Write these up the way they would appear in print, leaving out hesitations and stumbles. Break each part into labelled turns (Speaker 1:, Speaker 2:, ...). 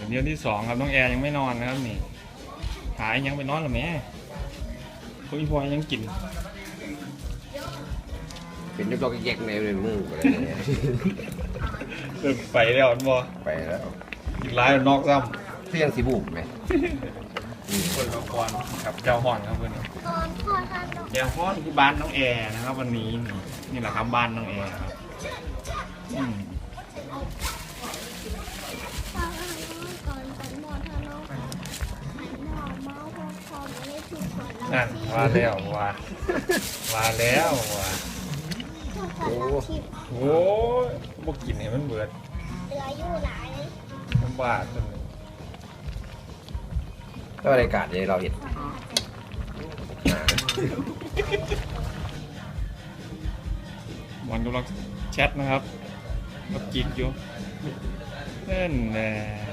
Speaker 1: เดือนที่2ครับน้องแอร์ยังไม่นอนนะครับนี่หายยังไปนอนหรือแม่คุณพ่อยังกิน
Speaker 2: เป็นยกๆแยกๆในมืออะไรเนี่ย
Speaker 1: ไปแล้วบ่
Speaker 2: ไปแล้ว
Speaker 1: กินร้ายนอกซ้
Speaker 2: เที่ยงสีบุกไหม
Speaker 1: ำคนละครกับเจ้าห่อนครับเพื่อน
Speaker 3: ตอนพ่อท่านต้อง
Speaker 1: เจ้าห่อนที่บ้านน้องแอร์นะครับวันนี้นี่แหละครับบ้านน้องแอร์ครับอืม
Speaker 3: พ่อท่านก่อนเป็นหมอท่านน้องหมอเมาพอไม่ได้ถูกก่อน
Speaker 1: นั่นว่าแล้วว่าแล้วว่า
Speaker 3: พ่อท่านรับทิพย์
Speaker 1: โอ้ยพวกกินให้มันเบิด
Speaker 3: เหลืออยู่หลาย
Speaker 1: มันบาดเลย
Speaker 2: ก็บรรยากาศที่เราเห็น
Speaker 1: มันกำลังแชทนะครับกับกิ๊กอยู่นั่นแหละ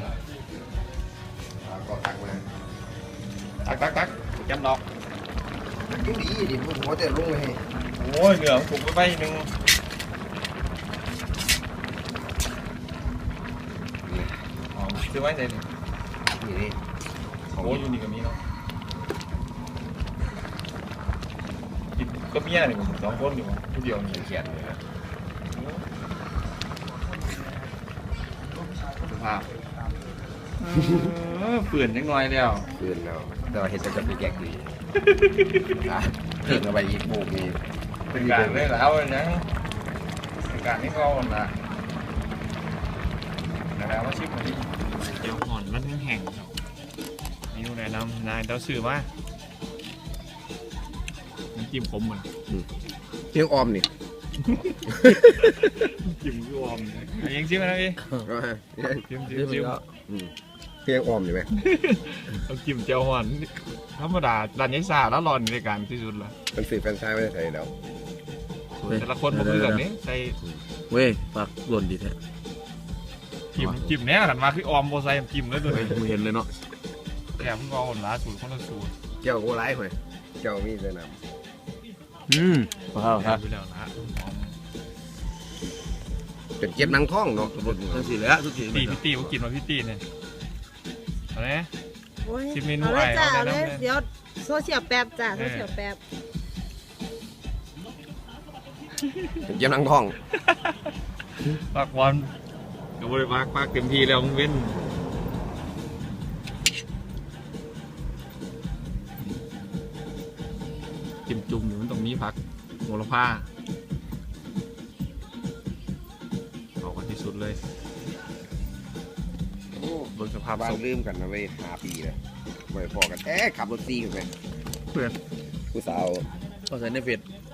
Speaker 2: ก็ตักมา
Speaker 1: ตักจำดอก
Speaker 2: ดูดีดิพูดหัวแต่ลงเลย
Speaker 1: โอ้ยเหงื่อถูกไปหนึ่งอ๋อซื้อไว้ไหนนี่
Speaker 2: นี่นี่
Speaker 1: โอ้ยอยู่นี่ก็มีเนาะกินก็เมียนี่ผม2 คนอยู่มั้งผู้เดียวนี่
Speaker 2: เขียนเลยนะ
Speaker 1: สภาพเปื่อนจังหน่อยแล้ว
Speaker 2: คืนเราแต่ว่าเห็นจะไปแยกดีเพิ่งเอาไปอีกบุกนี่
Speaker 1: เป็นการได้แล้วนะเป็นการที่เขาน่ะแล้วว่าชิปมันนี่เจียวห่อนมันแห้งๆนี่แนะนำนายเต้าสื่อว่าน้ำจิ้มขมมัน
Speaker 2: เที่ยงออมนี่
Speaker 1: จิ้มยูอมยังจิ้มนะพี่จิ้มเ
Speaker 2: ที่ยงออมอยู่ไหม
Speaker 1: ต้องจิ้มเจียวห่อนธรรมดาร้านยัยซาแล้วร้อนในการที่สุดละ
Speaker 2: มันสื่อแฟนชายไม่ได้ใส่เดา
Speaker 1: แต่ละคนผมคือแบบนี้ใส่
Speaker 4: เว้ยปากหล่นดีแท้
Speaker 1: จิ้มแน่กันมาคือออมโบไซจิ้มแล้วตัว
Speaker 4: เฮ้ยมึงเห็นเลยเนาะ
Speaker 1: แกมึงเอาหล้าสูตรคนละสูตร
Speaker 2: เจ้าโก้ร้ายหน่อยเจ้ามีแต่น
Speaker 4: ว้าวครับ
Speaker 1: ไปแล้วนะ
Speaker 2: ำเป็นเก็บหนังท้องเนาะ
Speaker 4: ทั้งสี่แล้วทุกที
Speaker 1: พี่ตีเขากินมาพี่ตีเนี่ยเอาไหม
Speaker 5: โอ้ย
Speaker 1: ชิมเมนู
Speaker 5: เอาเลยจ้า
Speaker 1: ไอ้
Speaker 5: เอา
Speaker 1: เอา
Speaker 5: เล
Speaker 1: เลย
Speaker 5: ย
Speaker 1: นะ
Speaker 5: เดี๋ยวโซเชียลแป๊บจ้าโซเชียลแป๊บ
Speaker 2: เป็นเก็บหนังท้อง
Speaker 1: ปากบอลก็บริปากเต็มที่แล้วมึงเว้นจิ้มจุ่มอยู่มันตรงนี้พักโหระพาเอากันที่สุดเลยบนสภาพ
Speaker 2: บ้าน
Speaker 1: ศพ
Speaker 2: ลืมกันนะเว้ย5 ปีเลยไม่พอกันขับรถซีกันไป
Speaker 1: เพื่อน
Speaker 2: ผู้สาว
Speaker 4: ก็ใส่ในเฟซ